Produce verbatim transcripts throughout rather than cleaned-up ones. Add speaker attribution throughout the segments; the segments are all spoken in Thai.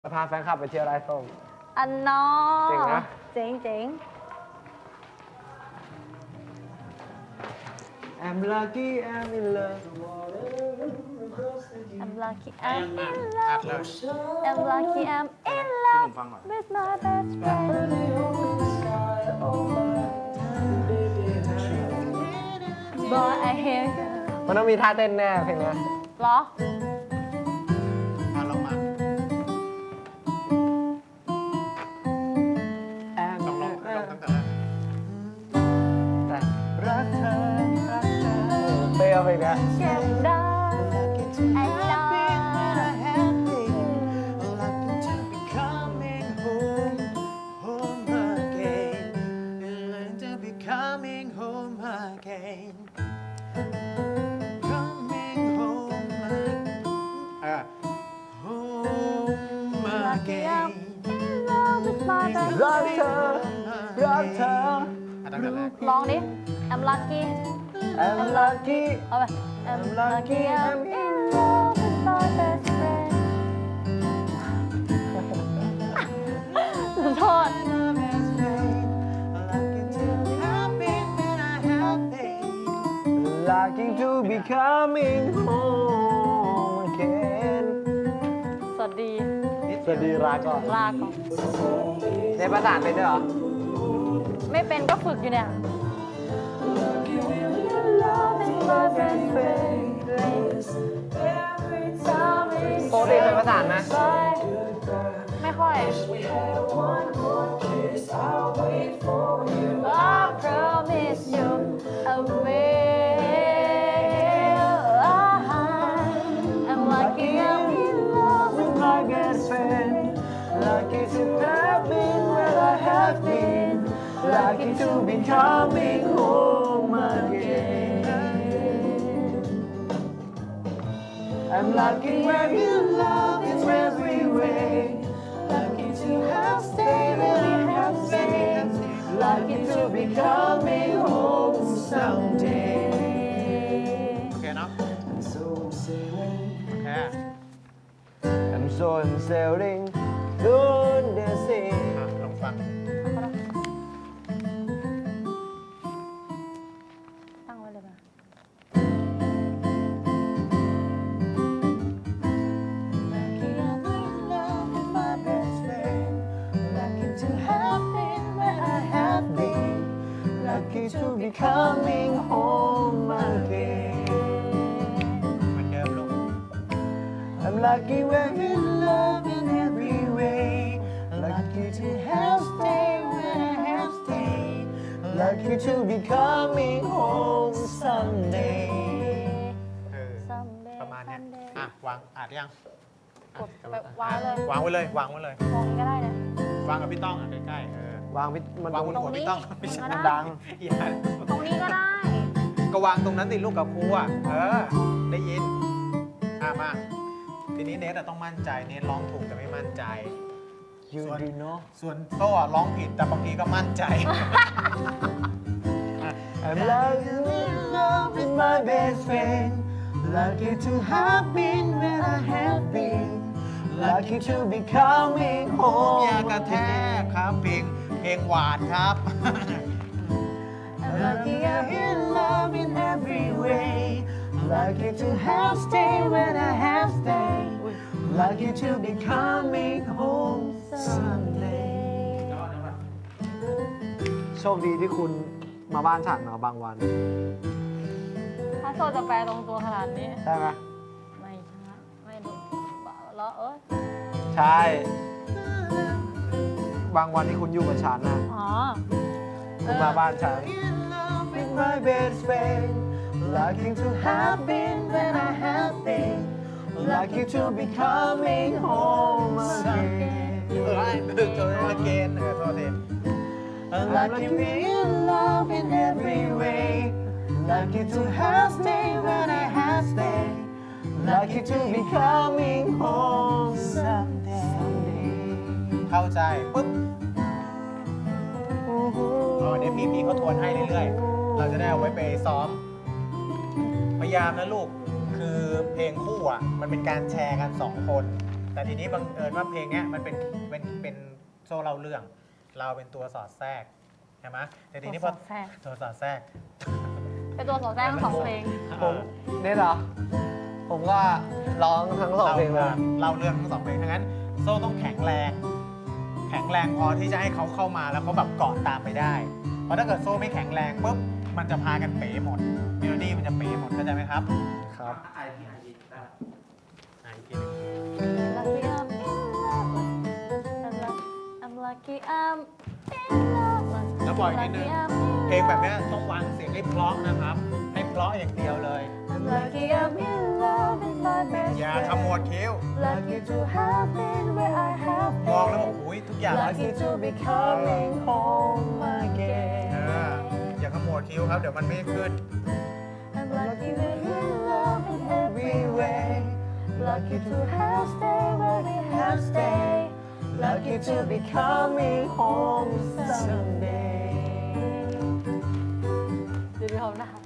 Speaker 1: พาแฟนคลับไปเที่ยวไร่ส้ม
Speaker 2: อันนอ
Speaker 1: เจ๋งนะ
Speaker 2: เจ๋งเจ๋ง
Speaker 1: I'm lucky I'm in love
Speaker 2: I'm lucky I'm in love I'm lucky I'm in love with my best friend Boy I hear you
Speaker 1: มันต้องมีท่าเต้นแน่เพลงนี้
Speaker 2: หรอ
Speaker 1: รักเธอรักเธอเปรี้ยวเพลงนี้
Speaker 2: เสียงดังไอ้ดอรักเธอ
Speaker 1: รักเธอ
Speaker 2: ร้องดิ I'm lucky
Speaker 1: I'm lucky
Speaker 2: เอาไป I'm lucky I'm in love with my best friend ขอโทษ
Speaker 1: Lucky to be coming home again
Speaker 2: สวัสดี
Speaker 1: สวัสดีลาก่อน
Speaker 2: ลาก่อน
Speaker 1: ในภาษาเป็นด้วยเหรอ
Speaker 2: ไม่เป็นก็ฝึกอยู่เนี่ย
Speaker 1: โปรตีนเป็นภาษาไหม
Speaker 2: ไม่ค่อย I promise you I will I'm lucky I'm in love with my best friend
Speaker 1: Lucky to have been where I have been Lucky to be coming home again I'm lucky where you love is every way Lucky to have stayed where I have stayed Lucky to be coming home someday
Speaker 3: โอเคเนาะ
Speaker 1: I'm so sailing
Speaker 3: โอเค
Speaker 1: I'm so sailing down the sea
Speaker 3: อ่ะลองฟัง
Speaker 2: ตั้งไว้เลยป่ะ
Speaker 1: Lucky I'm in love with my best friend Lucky to have been where I have been Lucky to be coming home again
Speaker 3: เหมือนเดิมลูก
Speaker 1: I'm lucky we're in love in every way Lucky to have stayed where I have stayed Lucky to be coming home someday
Speaker 3: เออ
Speaker 2: someday
Speaker 3: ประมาณเนี้ย
Speaker 2: someday
Speaker 3: อ่ะวางอัดยัง
Speaker 2: กดแบบวางเลย
Speaker 3: วางไว้เลยวางไว้เลย
Speaker 2: มองนี้ก็ได้นะ
Speaker 3: วางกับพี่ต้องอ่ะใกล้ๆเออ
Speaker 1: วางพิมัน
Speaker 3: วางบน
Speaker 2: ตรง
Speaker 3: หัว
Speaker 2: นี้
Speaker 3: พี่ต้องไม่ใช่
Speaker 2: มัน
Speaker 1: ดัง
Speaker 3: อย่า
Speaker 2: ตรงนี้ก็ได้
Speaker 3: ก็วางตรงนั้นติลูกกับครูอ่ะเออได้ยินอ่ะมาทีนี้เนทอะต้องมั่นใจเนทร้องถูกแต่ไม่มั่นใจ
Speaker 1: You
Speaker 3: ส่วน
Speaker 1: do know
Speaker 3: ส่วนโต้อะร้องผิดแต่บางทีก็มั่นใจ
Speaker 1: I'm lucky in love with my best friend Lucky to have been where I have been Lucky to be coming
Speaker 3: ผม
Speaker 1: home
Speaker 3: อยากกระแทกครับเพลงเพลงหวานครับ
Speaker 1: I'm lucky I'm in love in every way Lucky to have stayed when I have stayed Lucky to be coming home someday โชคดีที่คุณมาบ้านฉันมาบางวัน
Speaker 2: ถ้าโซจะแปลตรงตัวขนาดนี้
Speaker 1: ใช่ไหม
Speaker 2: ไม่ใช่ไม่ดูล้อเอ้ย
Speaker 1: ใช่ บางวันที่คุณอยู่กับฉันนะ
Speaker 2: อ๋อ
Speaker 1: คุณมาบ้านฉัน With my best friend Lucky to have been when I have been Lucky to be coming home again
Speaker 3: เออไอ้ดึกเจอเกนเออโทษที
Speaker 1: Lucky we're in love in every way Lucky to have stayed when I have stayed Lucky to be coming home someday
Speaker 3: เข้าใจปุ๊บอ๋อเดี๋ยวพี่พี่เขาทวนให้เรื่อยๆเราจะได้เอาไว้ไปซ้อมพยายามนะลูก คือเพลงคู่อ่ะมันเป็นการแชร์กันสองคนแต่ทีนี้บังเอิญว่าเพลงเนี้ยมันเป็นเป็นเป็นโซ่เล่าเรื่อง เราเป็นตัวสอดแทรกใช่ไหมแต่ทีนี้พอตัวสอดแทรก
Speaker 2: เป็นตัวสอดแทรกทั้งสองเพลง
Speaker 1: ผมเนี่ยเหรอ ผมก็ร้องทั้งสองเพลงเลย
Speaker 3: เล่าเรื่องทั้งสองเพลงทั้งนั้นโซ่ต้องแข็งแรง แข็งแรงพอที่จะให้เขาเข้ามาแล้วเขาแบบเกาะตามไปได้ เพราะถ้าเกิดโซ่ไม่แข็งแรงปุ๊บมันจะพากันเป๋หมดเมโลดี้มันจะเป๋หมดเข้าใจไหมครับ
Speaker 1: ครับ
Speaker 3: ไอพีไอพีไอพีหนึ่ง
Speaker 2: Lucky I'm in love I'm lucky I'm in love
Speaker 3: แล้วบอกอีกนิดนึง เพลงแบบเนี้ยต้องวางเสียงให้เพราะนะครับ ให้เพราะอย่างเดียวเลย
Speaker 2: I'm lucky I'm in love with my best
Speaker 3: อย่าขมวดคิ้ว
Speaker 2: Lucky to have been where I have
Speaker 3: มองแล้ว
Speaker 2: been
Speaker 3: บอกอุ้ยทุกอย่าง
Speaker 2: Lucky to be coming home
Speaker 3: เอ
Speaker 2: again
Speaker 3: ออย่าขมวดคิ้วครับ เดี๋ยวมันไม่ขึ้น
Speaker 2: I'm lucky we're in love in every way Lucky to have stayed where we have stayed Lucky to be coming home someday ดูดิผมนะคะ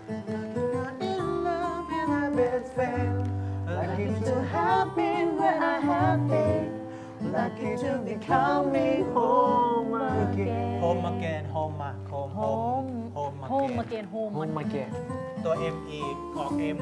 Speaker 1: best friend lucky to have been where I have been lucky to be coming home again
Speaker 3: โฮมมาเกนโฮมมาโฮมโฮมโฮมมา
Speaker 2: โฮม
Speaker 3: เก
Speaker 2: มาน เกนโฮม
Speaker 1: โฮมมาเกะ
Speaker 3: ตัว M E ออก M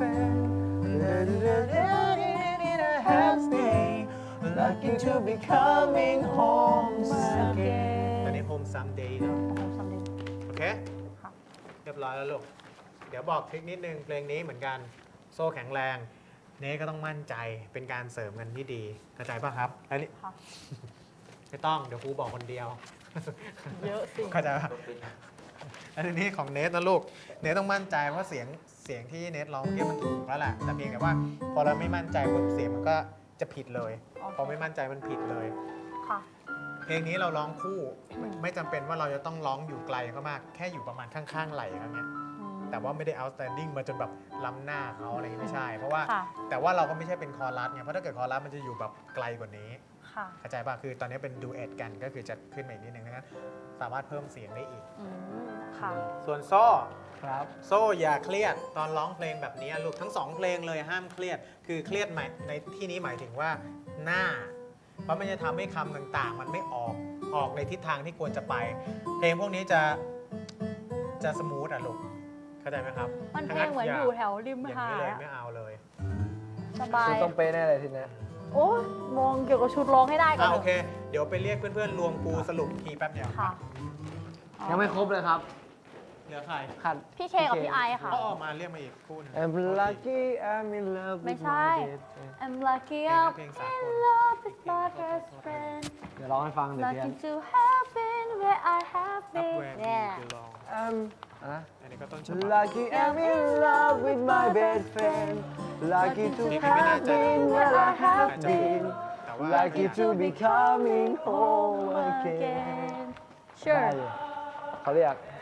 Speaker 1: lucky to be coming home again
Speaker 3: ตอนนี้ Home Someday เนอะ
Speaker 2: โฮมซัมเดย์
Speaker 3: โอเค
Speaker 2: ค่ะ
Speaker 3: เรียบร้อยแล้วลูก เดี๋ยวบอกทริคนิดนึงเพลงนี้เหมือนกันโซ่แข็งแรง เน้ก็ต้องมั่นใจเป็นการเสริมกันที่ดีเข้าใจป่ะครับแล้วนี่
Speaker 2: ค่ะ
Speaker 3: ไม่ต้องเดี๋ยวครูบอกคนเดียว
Speaker 2: เยอะสิ
Speaker 3: เข้าใจป่ะแล้วทีนี้ของเนทนะลูก เนทต้องมั่นใจว่าเสียงเสียงที่เนทร้องเมื่อกี้มันถูกแล้วแหละแต่เพียงแต่ว่า พอเราไม่มั่นใจปุ๊บเสียงมันก็จะผิดเลย พอไม่มั่นใจมันผิดเลย
Speaker 2: ค่ะ
Speaker 3: เพลงนี้เราร้องคู่ไม่ไม่จำเป็นว่าเราจะต้องร้องอยู่ไกลก็มากแค่อยู่ประมาณข้างๆไหล่เท่านี้แต่ว่าไม่ได้ outstanding มาจนแบบล้ำหน้าเขาอะไรอย่างนี้ไม่ใช่ เพราะว่า
Speaker 2: ค่ะ
Speaker 3: แต่ว่าเราก็ไม่ใช่เป็นคอรัสไงเพราะถ้าเกิดคอรัสมันจะอยู่แบบไกลกว่านี้
Speaker 2: ค่ะ
Speaker 3: เข้าใจป่ะคือตอนนี้เป็นดูเอทกันก็คือจะขึ้นมาอีกนิดนึงดังนั้นสามารถเพิ่มเสียงได้อีก
Speaker 2: อืมค่ะ
Speaker 3: ส่วนโซ่
Speaker 1: ครับ
Speaker 3: โซ่อย่าเครียดตอนร้องเพลงแบบนี้ลูกทั้งสองเพลงเลยห้ามเครียด คือเครียดหมายในที่นี้หมายถึงว่าหน้า เพราะมันจะทำให้คำต่างๆ มันไม่ออกออกในทิศทางที่ควรจะไป เพลงพวกนี้จะจะสมูทอะลูกเข้าใจไหมครับ
Speaker 2: มันเพลงเหมือนอยู่แถวริม
Speaker 3: อย่าง
Speaker 2: หา
Speaker 3: นี้
Speaker 2: ด
Speaker 3: เลย
Speaker 2: อะ
Speaker 3: ไม่เอาเลย
Speaker 2: สบาย
Speaker 1: คุณต้องเป๊ะแน่เลยทีเนี้ย
Speaker 2: โอ้ยมองเกี่ยวกับชุดร้องให้ได้ก่อ
Speaker 3: อ่ะ
Speaker 2: น
Speaker 3: โอเค เดี๋ยวไปเรียกเพื่อนๆรวมครูสรุปทีแป๊บเดียว
Speaker 2: ค่ะ
Speaker 1: ยังไม่ครบเลยครับ
Speaker 3: เหลือใคร
Speaker 1: ขาด
Speaker 2: พี่เคกับพี่ไอค่ะ
Speaker 3: ก็ออกมาเรียกมาอีกคู่หนึง
Speaker 1: I'm lucky I'm in love
Speaker 2: ไม่
Speaker 1: with
Speaker 2: ใช่
Speaker 1: my best friend
Speaker 2: I'm lucky
Speaker 3: เพลง
Speaker 2: I'm
Speaker 3: เพลงสากล
Speaker 2: in love with my best friend
Speaker 1: เดี๋ยวร้องให้ฟังเดี๋ยวเพี้ย
Speaker 2: Lucky
Speaker 1: น
Speaker 2: to have been where I have
Speaker 3: Up
Speaker 2: been
Speaker 3: where we
Speaker 2: yeah
Speaker 3: belong
Speaker 1: I'm อ่ะ
Speaker 3: อันนี้ก็ต้นฉบับ
Speaker 1: Lucky I'm in love with my best friend Lucky to have been where I have been
Speaker 3: แต่ว่า
Speaker 1: Lucky to be coming home again
Speaker 2: again
Speaker 1: ได้
Speaker 2: sure
Speaker 1: อยู่เขาเรียก